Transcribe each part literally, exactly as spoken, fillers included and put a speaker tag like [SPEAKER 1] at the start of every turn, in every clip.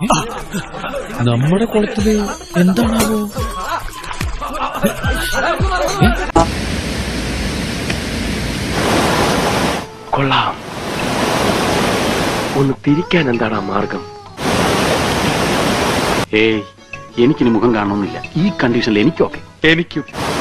[SPEAKER 1] നമ്മുടെ കുളത്തില് എന്താണാവോ?
[SPEAKER 2] കൊള്ളാം. ഒന്ന് തിരിക്കാൻ എന്താണ് മാർഗം? ഏയ്, എനിക്കിനി മുഖം കാണണമെന്നില്ല. ഈ കണ്ടീഷനിൽ എനിക്കൊക്കെ എനിക്കും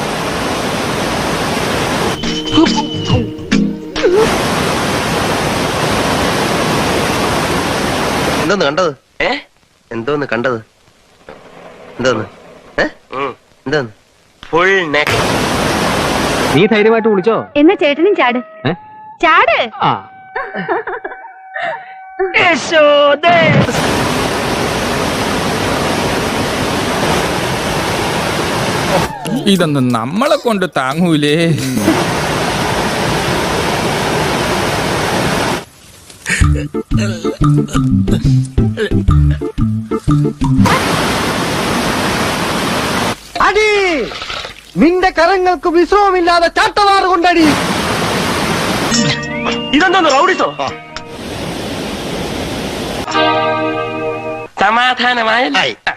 [SPEAKER 3] എന്തോന്ന് കണ്ടത്? ഏ എന്തോന്ന് കണ്ടത്? എന്തോന്ന് എന്തോന്ന്? Full neck.
[SPEAKER 2] നീ ധൈര്യമായിട്ട് വിളിച്ചോ?
[SPEAKER 4] എന്നാ ചേട്ടനും ചാട് ചാട്.
[SPEAKER 1] ഇതൊന്നും നമ്മളെ കൊണ്ട് താങ്ങൂലേ.
[SPEAKER 5] അടി, നിന്റെ കരങ്ങൾക്ക് വിശ്രമമില്ലാതെ ചാട്ടവാറ് കൊണ്ടടി.
[SPEAKER 3] ഇതെന്തോന്ന് റൗഡിസോ? സമാധാനമായ